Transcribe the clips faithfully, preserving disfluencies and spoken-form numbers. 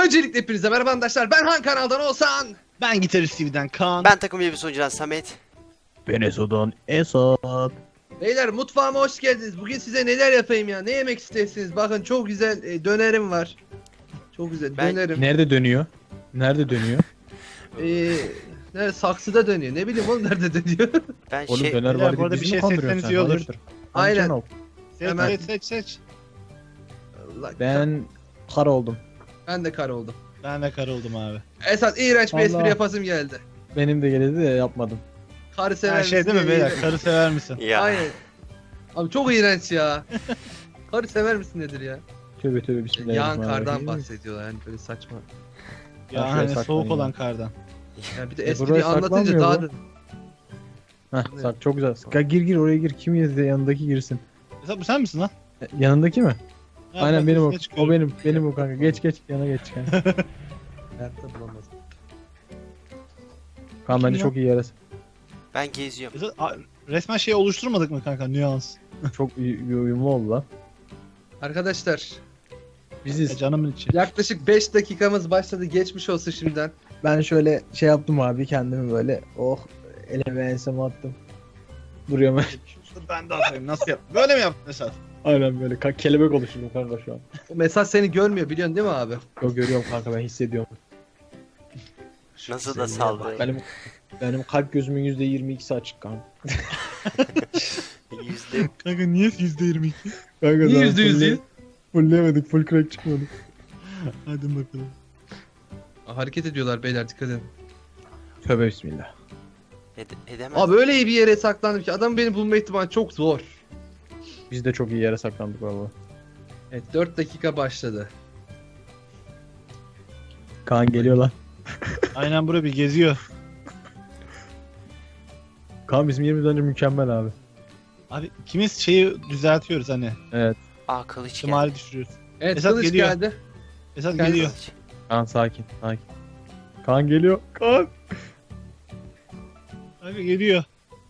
Öncelikle hepinize merhaba arkadaşlar. Ben Han kanaldan Oğuzhan. Ben Gitarist T V'den Kaan. Ben takım elbise sunucudan Samet. Ben Eso'dan Esat. Beyler mutfağıma hoş geldiniz. Bugün size neler yapayım ya? Ne yemek istersiniz? Bakın çok güzel e, dönerim var. Çok güzel Ben- dönerim. Nerede dönüyor? Nerede dönüyor? Ee, ne, saksıda dönüyor. Ne bileyim oğlum nerede dönüyor? Ben Oğlum şey döner Ya, var bu arada diye bir bizi şey mi kandırıyorsun seçseniz sen? iyi olur. Hayırdır? Aynen. Amcan ol. Seç Hemen. seç seç seç. Allah, Ben kar oldum. ben de kar oldum. Ben de kar oldum abi. Esat iğrenç bir Allah. espri yapasım geldi. Benim de geldi de yapmadım. Karı sever Her şey misin değil mi diye beyler? iğrenç. Karı sever misin? ya. Aynen. Abi çok iğrenç ya. Karı sever misin nedir ya? Tövbe tövbe Yağan bismillahirrahmanirrahim. kardan bahsediyorlar yani böyle saçma. Ya Şuraya hani saklan soğuk ya. olan kardan. Ya bir de E, espriyi buraya anlatınca saklanmıyor daha bu. da... Heh, sak çok güzel. Gel gir gir oraya gir. Kim yazdı yanındaki girsin. Esat bu sen misin lan? E, Yanındaki mi? Ha, Aynen bak, benim o. üstüne çıkıyorum. O benim. Benim o kanka. Geç geç yana geç kanka. Hayatta bulamaz. Kaan bence ya? çok iyi yarası. Ben geziyorum. Esat, a- resmen şey oluşturmadık mı kanka? Nüans. Çok iyi bir uyumlu oldu lan. Arkadaşlar E, Biziz. canımın içi. yaklaşık beş dakikamız başladı. Geçmiş olsun şimdiden. Ben şöyle şey yaptım abi kendimi böyle. Oh elime enseme attım. Duruyorum. Ben de atayım. Nasıl yap? Böyle mi yaptın Esat? Aynen böyle ka- kelebek oluşturdum kanka şu an. O mesaj seni görmüyor biliyorsun değil mi abi? Yok görüyorum kanka ben hissediyorum. Nasıl da saldı. Benim benim kalp gözümün yüzde yirmi ikisi açık kanka. Yüzde. Kanka niye yüzde yirmi iki? Kanka Niye daha yüzde yüz fulle- değil? Fullleyemedik, full crack çıkmadı. Hadi bakalım. Aa, hareket ediyorlar beyler dikkat edin. Tövbe bismillah. Ede- edemez. Abi öyle iyi bir yere saklandım ki adam beni bulma ihtimali çok zor. Biz de çok iyi yere saklandık valla. Evet dört dakika başladı. Kaan geliyor lan. Aynen bura bir geziyor. Kaan bizim yerimiz bence mükemmel abi. Abi ikimiz şeyi düzeltiyoruz hani. Evet. Aa kılıç geldi. İhtimali düşürüyoruz. Evet Esat kılıç geliyor. geldi. Esat Kanka- geliyor. Kılıç. Kaan sakin, sakin. Kaan geliyor. Kaan. Abi geliyor.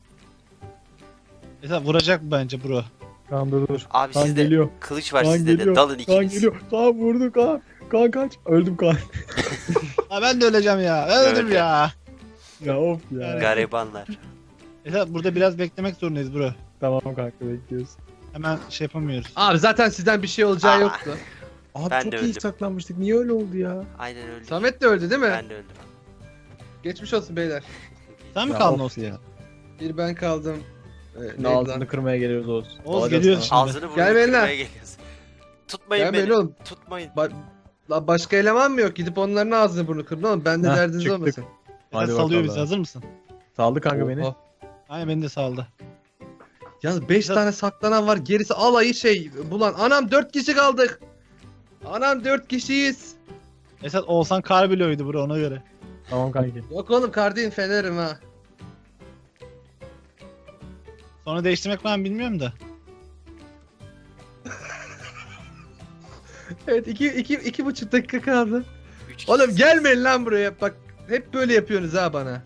Esat vuracak bence bro. Kaan dur dur. Abi Kaan sizde geliyor. kılıç var Kaan sizde de. geliyor. Dalın Kaan ikiniz. geliyor. Kaan vurdu Kaan. Kaan kaç. Öldüm Kaan. Ha ben de öleceğim ya. Ben öldüm Evet. ya. ya of ya. Garibanlar. Esat burada biraz beklemek zorundayız bro. Tamam kanka bekliyoruz. Hemen şey yapamıyoruz. Abi zaten sizden bir şey olacağı Aa. yoktu. Abi Ben çok de iyi öldüm. saklanmıştık. Niye öyle oldu ya? Aynen öyle. Samet de öldü değil mi? Ben de öldüm. Geçmiş olsun beyler. Sen mi Ya kaldın of olsun ya. ya? Bir ben kaldım. Ee, neydi Ne lan? ağzını kırmaya geliyoruz Oğuz. Oğuz Alacağız geliyor sana. şimdi. Ağzını Gel burnunu benimle. kırmaya geliyorsun. Tutmayın Gel beni. beni oğlum. Tutmayın. Ba La başka eleman mı yok? Gidip onların ağzını burnunu kırın oğlum. Ben de Heh, derdiniz çıktık. olmasın. Hadi Esat salıyor bakalım. bizi, hazır mısın? Saldı kanka beni. Oha. Aynen beni de saldı. Yalnız beş Esat- tane saklanan var. Gerisi alayı şey bulan. Anam dört kişi kaldık. Anam dört kişiyiz. Esat olsan kar bloğuydu bro, ona göre. Tamam kanki. Yok oğlum kardin fenerim ha. Sonra değiştirmek ben bilmiyorum da. Evet iki, iki, iki buçuk dakika kaldı. Üç kişi. Oğlum gelmeyin lan buraya. Bak hep böyle yapıyorsunuz ha bana.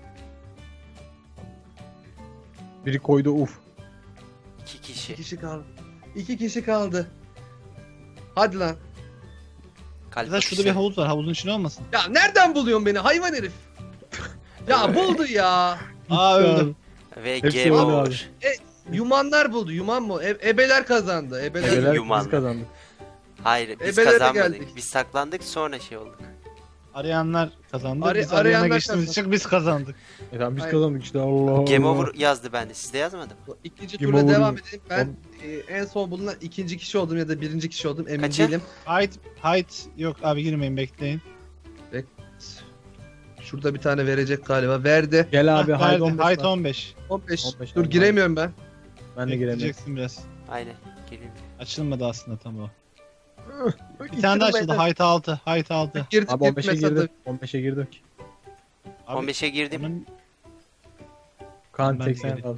Biri koydu uf. İki İki kişi. kişi kaldı. İki kişi kaldı. Hadi lan. Kalp Esat şurada atışı. bir havuz var, havuzun içine olmasın? Ya nereden buluyorsun beni hayvan herif? Ya buldu ya. Aa öldüm. Ve Hepsi game öyle over. Yumanlar buldu. Yuman mı? E- ebeler kazandı. Ebeler. Evet. Ebeler yumanlı. biz kazandık. Hayır biz Ebelere kazanmadık. geldik. Biz saklandık sonra şey olduk. Arayanlar kazandı. Ara- biz arayana arayanlar geçtiğimiz için biz kazandık. E tamam biz Aynen. kazandık işte Allah Allah. Game over yazdı bende. Sizde yazmadı mı? İkinci Kim turda olur devam mu? edelim. Ben e, en son bulunan ikinci kişi oldum ya da birinci kişi oldum emin Kaça? değilim. Height, height yok abi, girmeyin, bekleyin. Şurada bir tane verecek galiba. Verdi. Gel abi Hah, haydi verdi. on beş. Height lan. on beş. on beş. on beş Dur abi. giremiyorum ben. Ben de giremiyorum. Bekleyeceksin biraz. Aynen. Gelin. Açılmadı aslında tam o. Bir tane daha açıldı. Height altı. Height altı. Girdik Abi on beşe gitmese girdim. de- on beşe girdik. Abi, on beşe girdim. onun- Kaan Ben de seksen gireyim. kaldı.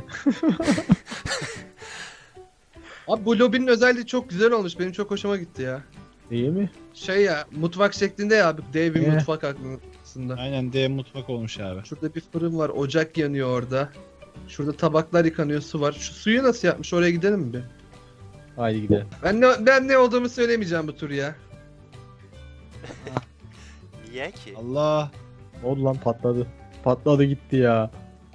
Abi bu lobinin özelliği çok güzel olmuş. Benim çok hoşuma gitti ya. İyi mi? Şey ya mutfak şeklinde ya abi. Dev bir Eh. mutfak aslında. Aynen D mutfak olmuş abi. Şurada bir fırın var. Ocak yanıyor orada. Şurada tabaklar yıkanıyor. Su var. Şu suyu nasıl yapmış? Oraya gidelim mi bir? Haydi gidelim. Ben ne, ben ne olduğumu söylemeyeceğim bu tur ya. Niye ki? Allah. Ne oldu lan, patladı. Patladı gitti ya.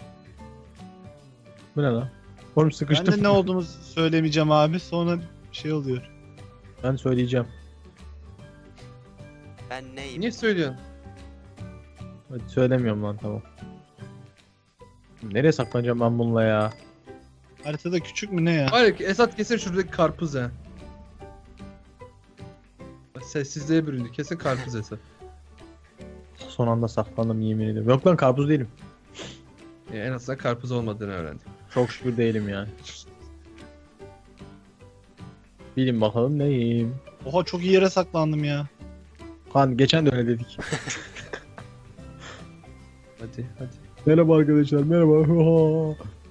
Bu ne lan? Oğlum Ben sıkıştım. de ne olduğumu söylemeyeceğim abi. Sonra şey oluyor. Ben söyleyeceğim. Ben neyim? Niye söylüyorsun? Hadi söylemiyorum lan, tamam. Nereye saklanacağım ben bununla ya? Haritada küçük mü ne ya? Var ya Esat kesin şuradaki karpuz ha. Sessizliğe büründü. Kesin karpuz Esat. Son anda saklandım, yemin ederim. Yok lan, karpuz değilim. Ya en azından karpuz olmadığını öğrendim. Çok şükür değilim yani. Bilin bakalım neyim. Oha çok iyi yere saklandım ya. Han geçen de öyle dedik. Hadi hadi. Merhaba arkadaşlar, merhaba.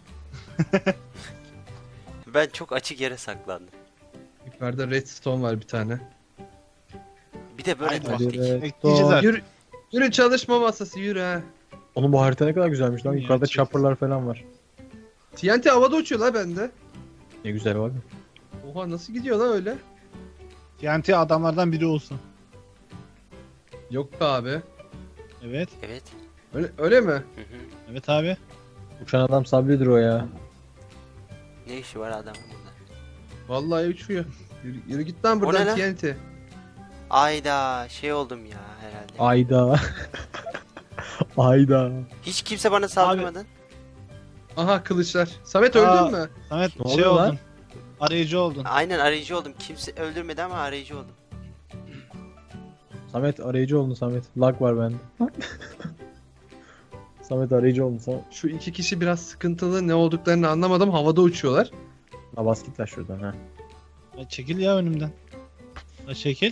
Ben çok açık yere saklandım. Yukarıda redstone var bir tane. Bir de böyle Haydi taktik. Hadi Bekleyeceğiz artık. Yürü, yürü çalışma masası yürü ha. Oğlum bu harita ne kadar güzelmiş lan. Ya, Yukarıda çek. chopper'lar falan var. T N T havada uçuyor la bende. Ne güzel var. Oha nasıl gidiyor la öyle? T N T adamlardan biri olsun. Yok be abi. Evet. Evet. Öyle, öyle mi? Hı hı. Evet abi. Uçan adam Sabri'dir o ya. Ne işi var adamın burada? Vallahi uçuyor. Yürü, yürü git lan O buradan ne lan? T N T. Ayda şey oldum ya herhalde. Ayda. Ayda. Hiç kimse bana saldırmadı. Aha kılıçlar. Samet Aa. öldün mü? Samet Ne şey oluyor lan? oldun. Arayıcı oldun. Aynen arayıcı oldum. Kimse öldürmedi ama arayıcı oldum. Samet arayıcı oldun Samet. Lag var bende. Samet arayıcı oldun Samet. Şu iki kişi biraz sıkıntılı, ne olduklarını anlamadım. Havada uçuyorlar. Ha bas git lan şuradan ha. Ya çekil ya önümden. Ya çekil.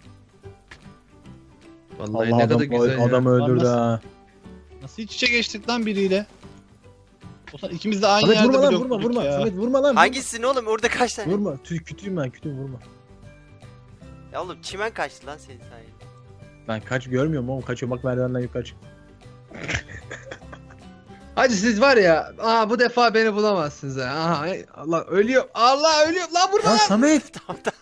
Vallahi Allah ne adam, kadar güzel ya. adamı öldürdü Nasıl- ha. Nasıl iç içe geçtik lan biriyle? O zaman ikimiz de aynı Samet yerde vurma lan, blok vurma bulduk vurma. ya. Samet vurma lan. Hangisin oğlum? Orada kaç tane? Vurma. Vurma. Tüy, kütüyüm ben, kütüyüm, vurma. Ya oğlum çimen kaçtı lan senin sayende. Ben kaç görmüyorum oğlum, kaçıyor bak merdivenden yukarı çık. Hacı siz var ya, aa bu defa beni bulamazsınız ha. Aha, ay, Allah ölüyor. Allah ölüyor. Lan burada Lan lan. Samet. Tamam tamam.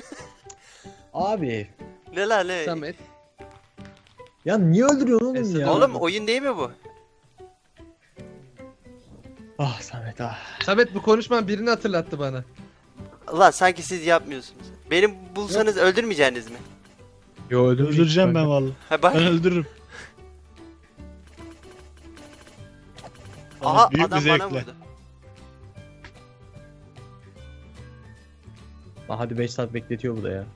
Abi. Ne lan ne? Samet. Ya niye öldürüyorsun oğlum Esat ya? Oğlum oyun değil mi bu? Ah Samet ah. Samet bu konuşman birini hatırlattı bana. Ulan sanki siz yapmıyorsunuz. Beni bulsanız öldürmeyeceğiniz mi? Yo öldürmeyecek. Öldüreceğim ben vallahi. Ha bak. Ben öldürürüm. Aha Büyük bir adam bana zevkle. vurdu. Lan hadi beş saat bekletiyor bu da ya.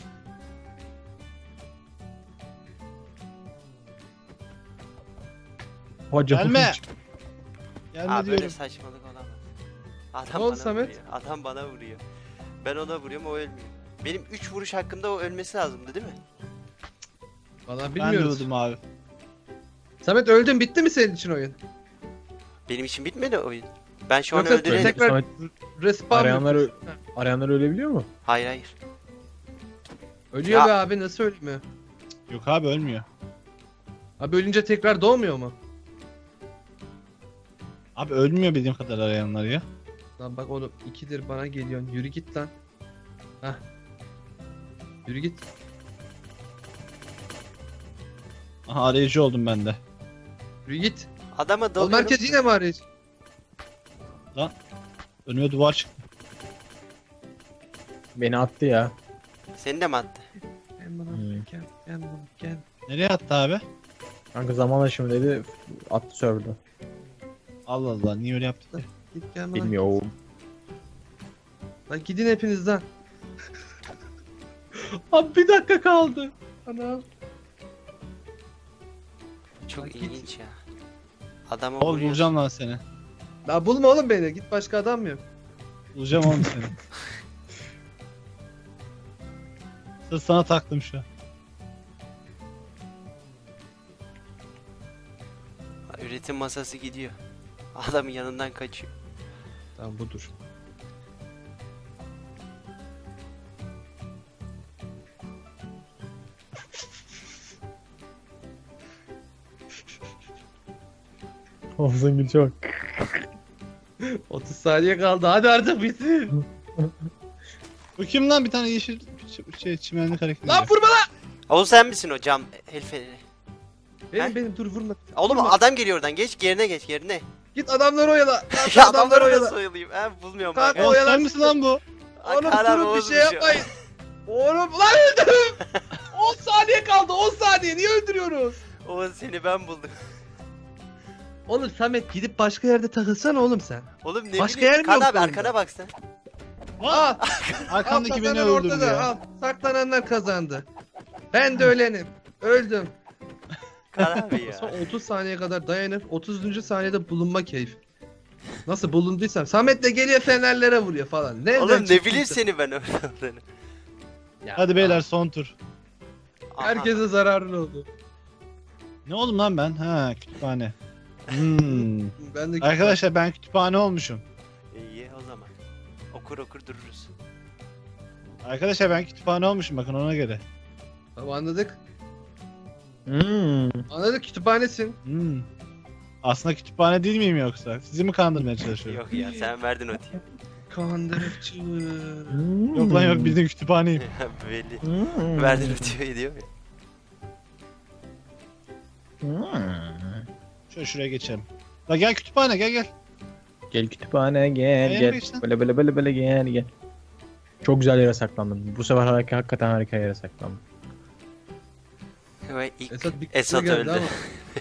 Hocam. Gelme. Gelme Aa böyle diyorum. saçmalık olamaz. Ne Adam oldu bana Samet? vuruyor. Adam bana vuruyor. Ben ona vuruyorum o ölmüyor. Benim üç vuruş hakkında o ölmesi lazımdı değil mi? Vallahi Ben de bilmiyoruz. öldüm abi. Samet öldün, bitti mi senin için oyun? Benim için bitmedi oyun. Ben şu an Yoksa öldürelim. tekrar- Samet, Respawn arayanlar, mı? ö- arayanlar ölebiliyor mu? Hayır hayır. Ölüyor Ya. be abi, nasıl ölmüyor? Yok abi ölmüyor. Abi ölünce tekrar doğmuyor mu? Abi ölmüyor bildiğim kadar arayanlar ya. Lan bak oğlum, ikidir bana geliyorsun. Yürü git lan. Hah. Yürü git. Aha arayıcı oldum ben de. Yürü git. Adama Oğlum dalıyorum. herkes yine mi arayıcı? Önüme duvar çıktı. Beni attı ya. Seni de mi attı? Gel bana Hmm. gel. Gel bana gel. Nereye attı abi? Kanka zaman aşımı dedi, attı server'da. Allah Allah niye öyle yaptı? ki? Git gel bana. Bilmiyorum. Lan gidin hepiniz lan. Abi bir dakika kaldı. Ana. Çok Lan git. ilginç ya. Adamı Oğlum vuruyorsun. bulacağım lan seni. Lan bulma oğlum beni. Git, başka adam mı yok? Bulacağım oğlum seni. Sırf sana taktım şu an. Üretim masası gidiyor. Adamın yanından kaçıyor. Tamam budur. Olsun gül çok. otuz saniye kaldı. Hadi artık bitsin. Bu kim lan bir tane yeşil ç- şey çimenlik hareket ediyor. Lan vurma lan. Oğlum sen misin o cam el feneri? Benim He? benim dur vurma. Oğlum Vurma. adam geliyor oradan. Geç yerine geç yerine. Git adamları oyala. Lan Ya adamları adamları oyala. nasıl oyalayayım? He bulmuyorum Kanka, bak. o- Oğlum yalan sen misin lan bu? Oğlum Kaan abi durun bir şey bozmuş ya. yapmayın. Oğlum lan öldüm. on saniye kaldı on saniye niye öldürüyoruz? Oğlum seni ben buldum. Oğlum Samet gidip başka yerde takılsana oğlum sen. Oğlum ne Başka bileyim. yer mi Kaan yok abi bu arkana oyunda? bak sen. Al. Arkandaki al, beni kazanan öldürdü ortada, ya. Al. Saklananlar kazandı. Ben de ölenim. Öldüm. Kaan abi Sonra ya. otuz saniye kadar dayanıp otuzuncu saniyede bulunma keyif. Nasıl bulunduysam Samet de geliyor fenerlere vuruyor falan. Nereden Oğlum ne çıktıysa. bileyim seni ben orada olduğunu. Ya, Hadi beyler son tur. Aha. herkese zararlı oldu. Ne oldum lan ben? Ha kütüphane. Hmm. Ben de Arkadaşlar ben kütüphane olmuşum. İyi o zaman. Okur okur dururuz. Arkadaşlar ben kütüphane olmuşum bakın ona göre. Tamam anladık. Hmm. Anladık kütüphanesin. Hmm. Aslında kütüphane değil miyim yoksa? Sizi mi kandırmaya çalışıyorum? Yok ya sen verdin o diye. Kandırıcı. Hmm. Yok lan yok bildiğin kütüphaneyim. Belli. Hmm. Verdin o diyor diyor ya. Hmm. Şöyle şuraya geçelim. La gel kütüphane gel gel. Gel kütüphane gel Benim gel. geçtim. Böyle böyle böyle böyle gel gel. Çok güzel yere saklandım. Bu sefer harika, hakikaten harika yere saklandım. Ve ilk Esat bir Esat kısmı geldi öldü. ama.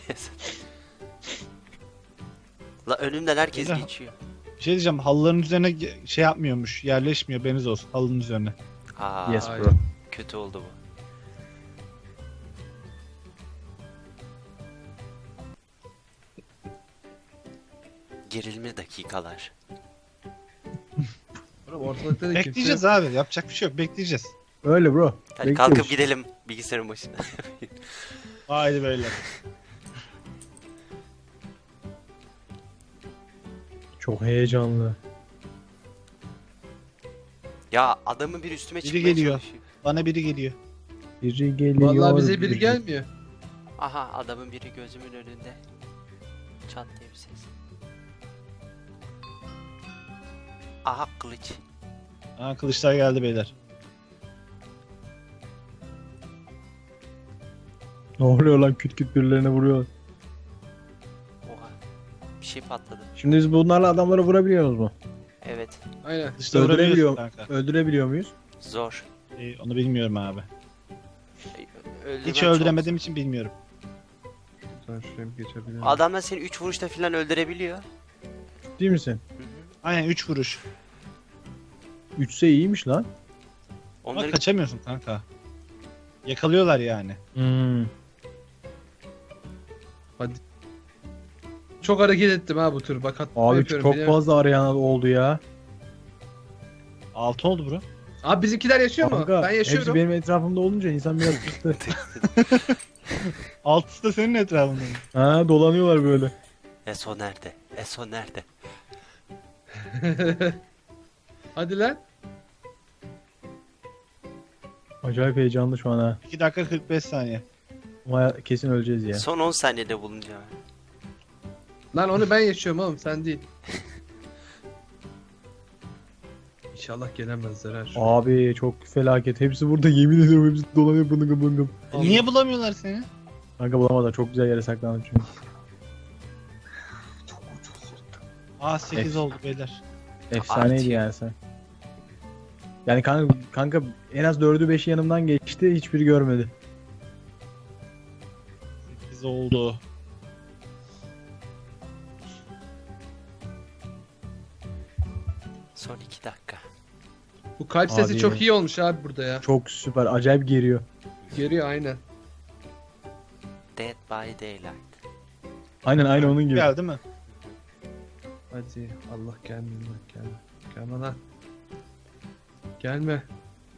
La önümden herkes Güzel. geçiyor. Bir şey diyeceğim halıların üzerine ge- şey yapmıyormuş. Yerleşmiyor haberiniz olsun halının üzerine. Aa, Yes Aynen. bro. kötü oldu bu. Gerilme dakikalar. Oğlum ortalıkta da kimse Bekleyeceğiz abi yapacak bir şey yok bekleyeceğiz. Öyle bro. Hadi Bekliyoruz. kalkıp gidelim bilgisayarın başına. Haydi beyler. Çok heyecanlı. Ya adamın bir üstüme Biri çıkmaya geliyor. çalışıyor. Bana biri geliyor. Biri geliyor. Vallahi bize biri gelmiyor. Aha adamın biri gözümün önünde. Çat diye bir ses. Aha kılıç. Aa kılıçlar geldi beyler. Ne oluyor lan küt küt birilerine vuruyor. Oha. Bir şey patladı. Şimdi biz bunlarla adamları vurabiliyoruz mu? Evet. Aynen. Kılıçla Öldürebiliyor, vurabiliyorsun kanka. öldürebiliyor muyuz? Zor. Ee, onu bilmiyorum abi. Öldürmen Hiç çok öldüremediğim için bilmiyorum. Sen şuraya bir geçebilir miyim? Adamlar seni üç vuruşta falan öldürebiliyor. Değil misin? Hı hı. Aynen üç vuruş. Üçse iyiymiş lan. Ama Onları kaçamıyorsun kanka. Yakalıyorlar yani. Hmm. Çok hareket ettim ha bu tur. Bak hatta Abi yapıyorum, çok biliyorum. fazla arayan oldu ya. Altı oldu bro. Abi bizimkiler yaşıyor mu? Kanka, Ben yaşıyorum. hepsi benim etrafımda olunca insan biraz kıstı. Altısı da senin etrafında mı? Ha dolanıyorlar böyle. Eso nerede? Eso nerede? Hadi lan. Acayip heyecanlı şu an ha. iki dakika kırk beş saniye. Ama kesin öleceğiz ya. Son on saniyede bulunacağım. Lan onu ben yaşıyorum oğlum sen değil. İnşallah gelemezler ha. şu- Abi çok felaket. Hepsi burada yemin ediyorum hepsi dolanıyor bıngım bıngım. E, niye bulamıyorlar seni? Kanka bulamadılar. Çok güzel yere saklandım çünkü. Aa sekiz F. oldu beyler. Efsaneydi Artıyor. yani sen. Yani kanka, kanka en az dördü beşi yanımdan geçti. Hiçbiri görmedi. sekiz oldu. Son iki dakika. Bu kalp sesi Abi. çok iyi olmuş abi burada ya. Çok süper. Acayip geriyor. Geliyor aynen. Dead by Daylight. Aynen aynı onun gibi. Geldi mi? Hadi Allah gelme lan gelme. Gelme lan. Gelme.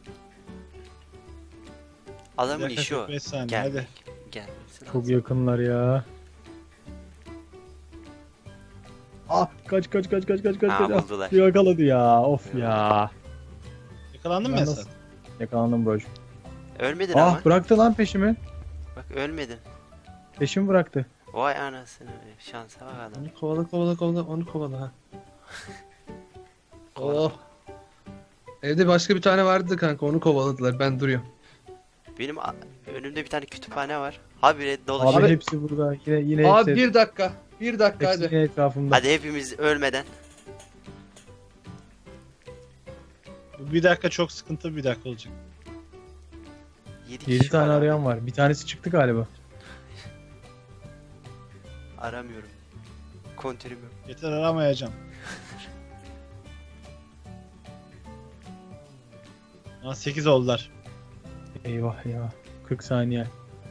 Adamın Bir dakika, işi o. kırk beş saniye, Gelmek. Gelmesi Çok lazım. yakınlar ya. Ah kaç kaç kaç kaç kaç kaç Aa, kaç. buldular. Ah, yakaladı ya. Of ya. Yakalandın mı Ben Esat? nasıl- Yakalandım bro. Ölmedin Ah ama. bıraktı lan peşimi. Bak ölmedin. Peşimi bıraktı. Vay anasını. Şansa bak adam. Onu kovala kovala kovala onu kovala ha. Oh. Evde başka bir tane vardı kanka onu kovaladılar ben duruyorum. Benim a- Önümde bir tane kütüphane var. Habire Abi, dolaşıyor. hepsi burada. Yine yine Abi hepsi, bir dakika. Bir dakika hepsi hadi. yine etrafımda. Hadi hepimiz ölmeden. Bir dakika çok sıkıntı bir dakika olacak. yedi yedi kişi tane var abi. arayan var. Bir tanesi çıktı galiba. Aramıyorum. Kontörüm yok. Yeter aramayacağım. Aa sekiz oldular. Eyvah ya. kırk saniye.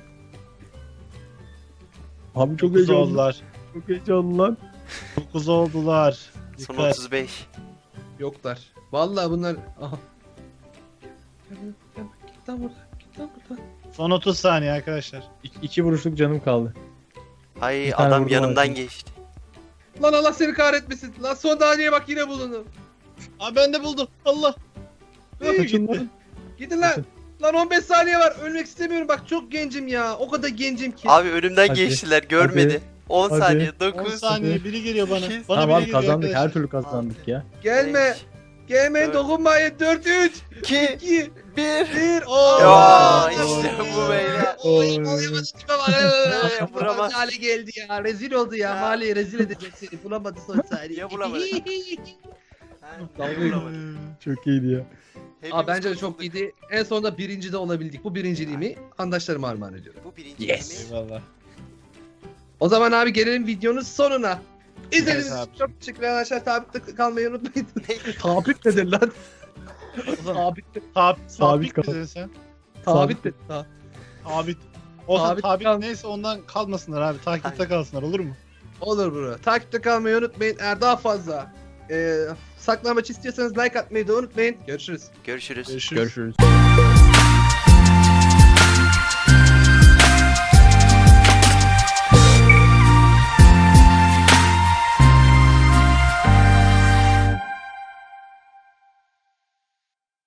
Abi çok dokuz heyecanlı. oldular. Çok heyecanlı lan. dokuz oldular. Son Dikkat. otuz beş. Yoklar. Vallahi bunlar... Aha. Gel, gel, git lan buradan. Git lan buradan. Son otuz saniye arkadaşlar. İki, iki vuruşluk canım kaldı. Ay Bir tane adam vurdum yanımdan abi. geçti. Lan Allah seni kahretmesin. Lan son saniye bak yine bulundu. Aa ben de buldum. Allah. Hey, Kaçın lan. Gidin lan. Kaçın. Lan on beş saniye var. Ölmek istemiyorum. Bak çok gencim ya. O kadar gencim ki. Abi önümden Hadi. geçtiler görmedi. on Hadi. saniye, on dokuz, saniye biri geliyor bana. sekiz. Bana Tamam biri abi geliyor kazandık. arkadaşlar. Her türlü kazandık ya. Gelme. beş, Gelmeyin dört, dokunmayın. dört üç iki, iki bir. bir. Oo. Ya Aa, işte bu beyler. Oy, olayamadı tipe bak. Vuramaz. Vuramaz hale geldi ya. Rezil oldu ya. Ya. Mahalleyi rezil edecek seni. Bulamadı son saniye. Ya bulamadı. Ha, Dalga bulamadım. Çok iyiydi ya. Hepimiz Aa, bence de çok kurtulduk. iyiydi. En sonunda birinci de olabildik. Bu birinciliğimi arkadaşlarıma armağan ediyorum. Bu birinci Yes. yemeği. Eyvallah. O zaman abi gelelim videonun sonuna. İzlediğiniz Evet için abi. çok teşekkürler arkadaşlar. Takipte kalmayı unutmayın. Ne? Tabip nedir lan? Tabip de. Tab Sabit sabit kal. misin sen? Tabip de. Ta- Tabit. O zaman Sabit tabit kal. neyse ondan kalmasınlar abi. Takipte kalsınlar olur mu? Olur bro. Takipte kalmayı unutmayın. Eğer daha fazla e, saklanmaç istiyorsanız like atmayı da unutmayın. Görüşürüz. Görüşürüz. Görüşürüz. Görüşürüz.